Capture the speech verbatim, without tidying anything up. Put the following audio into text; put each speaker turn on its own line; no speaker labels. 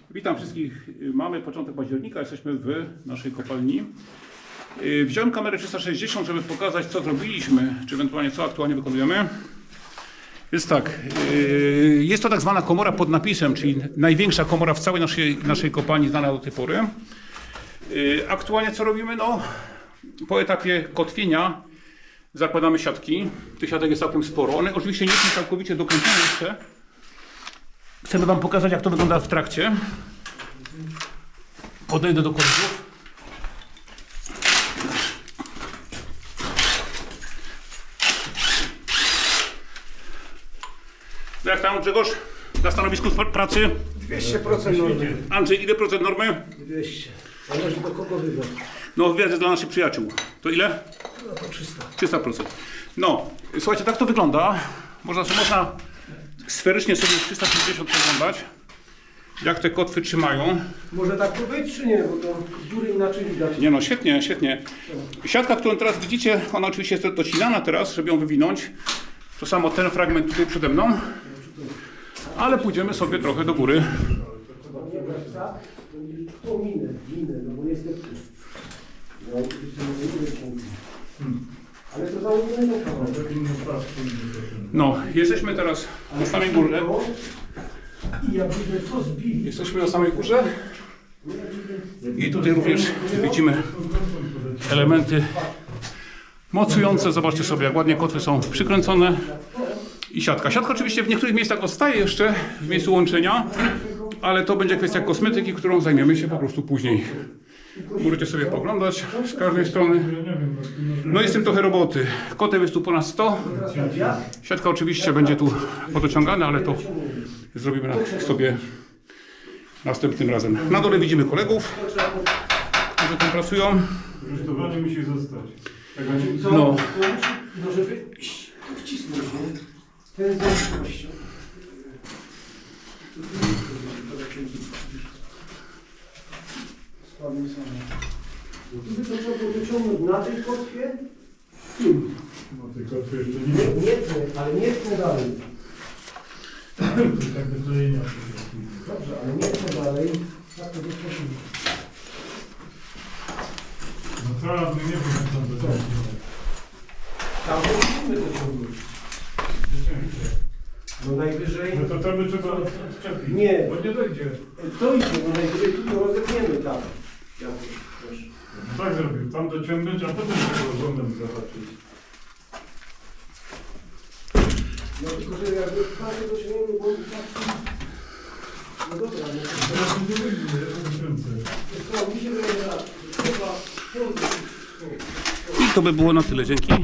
Witam wszystkich. Mamy początek października, jesteśmy w naszej kopalni. Wziąłem kamerę trzysta sześćdziesiąt, żeby pokazać, co zrobiliśmy, czy ewentualnie co aktualnie wykonujemy. Jest tak, jest to tak zwana komora pod napisem, czyli największa komora w całej naszej, naszej kopalni znana do tej pory. Aktualnie co robimy? No, po etapie kotwienia zakładamy siatki. Tych siatek jest całkiem sporo. One oczywiście nie są całkowicie dokręcone jeszcze. Chcemy Wam pokazać, jak to wygląda w trakcie. Podejdę do korków. Jak tam, Grzegorz? Na stanowisku pracy?
dwieście procent normy.
Andrzej, ile procent normy?
dwieście. Zależy do kogo wybrać.
No, wiedzę dla naszych przyjaciół. To ile?
No to trzysta.
trzysta procent. No, słuchajcie, tak to wygląda. Można, można sferycznie sobie trzysta sześćdziesiąt oglądać, jak te kotwy trzymają.
Może tak to być, czy nie? Bo to z góry inaczej widać.
Nie no, świetnie, świetnie. Siatka, którą teraz widzicie, ona oczywiście jest docinana teraz, żeby ją wywinąć. To samo ten fragment tutaj przede mną. Ale pójdziemy sobie trochę do góry.
Nie brać tak, to minę, minę, no bo niestety. No, oczywiście nie mówię punktu. Ale to założenie do kawał.
No, jesteśmy teraz na samej górze.
I jakbyśmy to zbili.
Jesteśmy na samej górze. I tutaj również widzimy elementy mocujące. Zobaczcie sobie, jak ładnie kotwy są przykręcone. I siatka. Siatka oczywiście w niektórych miejscach odstaje jeszcze w miejscu łączenia, ale to będzie kwestia kosmetyki, którą zajmiemy się po prostu później. Możecie sobie poglądać z każdej strony. No jest w tym trochę roboty. Kotew jest tu ponad sto. Siatka oczywiście będzie tu podociągana, ale to zrobimy sobie następnym razem. Na dole widzimy kolegów, którzy tam pracują.
Rusztowanie musi zostać.
No.
No żeby tu wcisnąć, nie? Ten zręcznością. Słabym samym. Tu by to trzeba było wyciągnąć na tej kotwie. Tu.
No tylko tu jeszcze
Nie,
nie
nie tnę, ale nie tnę dalej.
tak wyklejenia.
Dobrze, ale nie tnę dalej. Tak to wyciągnę.
No co, ale nie wiem, jak tam to
Tam musimy dociągnąć. No najwyżej...
No to tam by trzeba odczepić.
Nie.
Bo nie dojdzie.
To idzie, no najwyżej tu to rozepniemy tam. Jakoś, proszę.
No tak zrobił. Tam dociągnąć, a potem tego rządem zobaczyć.
No tylko, że jakby prawie dociągniemy, bo tak... No dobra, no to...
Teraz nie wyjdzie, ja to wykręcę.
To mi się wydaje, że trzeba...
I to by było na tyle. Dzięki.